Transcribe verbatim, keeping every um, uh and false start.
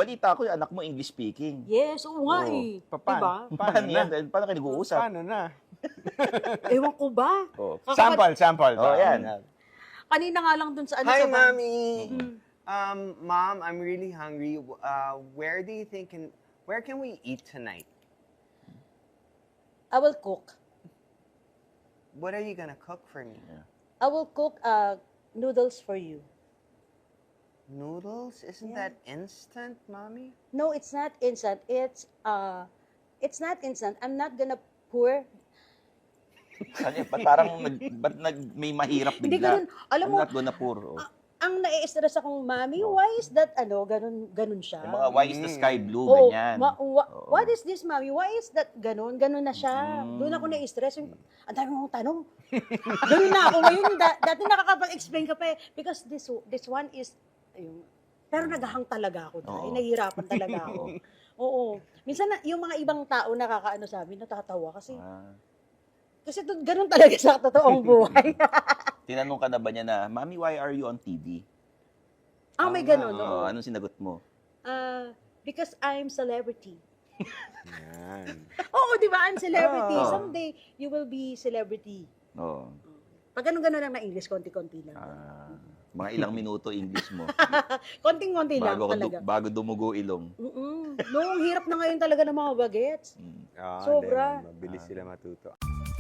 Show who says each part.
Speaker 1: balita ko, yung anak mo English speaking.
Speaker 2: Yes, oo nga
Speaker 1: Oo.
Speaker 2: eh.
Speaker 3: Pa-
Speaker 2: Diba?
Speaker 3: Paano
Speaker 1: Paano
Speaker 3: na?
Speaker 1: yan? Paano kayo nag-uusap?
Speaker 3: Paano na?
Speaker 2: Ewan ko ba?
Speaker 1: Oh.
Speaker 2: Kakapag-
Speaker 3: Sample, sample.
Speaker 1: Oh, yan.
Speaker 2: Kanina nga lang dun sa ano
Speaker 4: Hi,
Speaker 2: sa
Speaker 4: mommy.
Speaker 2: Mm.
Speaker 4: Um, mom, I'm really hungry. Uh, where do you think can where can we eat tonight?
Speaker 5: I will cook.
Speaker 4: What are you gonna cook for me?
Speaker 5: I will cook uh, noodles for you.
Speaker 4: Noodles? Isn't
Speaker 5: Yeah.
Speaker 4: that instant, mommy?
Speaker 5: No, it's not instant. It's uh, it's not instant. I'm not gonna pour.
Speaker 1: Ano yun? Ba't parang nag, ba't nag, may mahirap bigla?
Speaker 2: Hindi ganun. Alam
Speaker 1: I'm
Speaker 2: mo,
Speaker 1: not gonna pour. Oh.
Speaker 2: ang nai-stress akong, Mami, why is that, ano, ganun, ganun siya?
Speaker 1: Yung mga why is the sky blue,
Speaker 2: Oo,
Speaker 1: ganyan.
Speaker 2: ma- wa-
Speaker 1: Oo.
Speaker 2: what is this, Mami? Why is that ganun? Ganun na siya.
Speaker 1: Mm.
Speaker 2: Doon ako na-stress. Yung, ang dami mong tanong. Ganun na ako. Ngayon, da- dati nakakapag-explain ka pa eh. Because this this one is, ayun, pero naghahang talaga ako dahil.
Speaker 1: Oo.
Speaker 2: Nahihirapan talaga ako. Oo. Minsan, na, yung mga ibang tao nakakaano sa amin, natatawa kasi,
Speaker 1: Ah.
Speaker 2: kasi to, ganun talaga sa totoong buhay.
Speaker 1: Tinanong ka na ba niya na, Mami, why are you on T V?
Speaker 2: ah, may ganun.
Speaker 1: Oo,
Speaker 2: Oo.
Speaker 1: anong sinagot mo?
Speaker 2: Ah, because I'm celebrity.
Speaker 3: Yan.
Speaker 2: Oo, di ba? I'm celebrity.
Speaker 1: Oo.
Speaker 2: Someday, you will be celebrity.
Speaker 1: Oo.
Speaker 2: Pag ganun-ganun lang na English, konti-konti lang.
Speaker 1: Ah, mga ilang minuto English mo.
Speaker 2: Konting-konti lang
Speaker 1: bago,
Speaker 2: talaga.
Speaker 1: du- bago dumugo ilong.
Speaker 2: Mm-mm. No, ang hirap na ngayon talaga ng mga bagets.
Speaker 1: Mm.
Speaker 3: Ah,
Speaker 2: Sobra.
Speaker 3: hindi, mabilis sila matuto.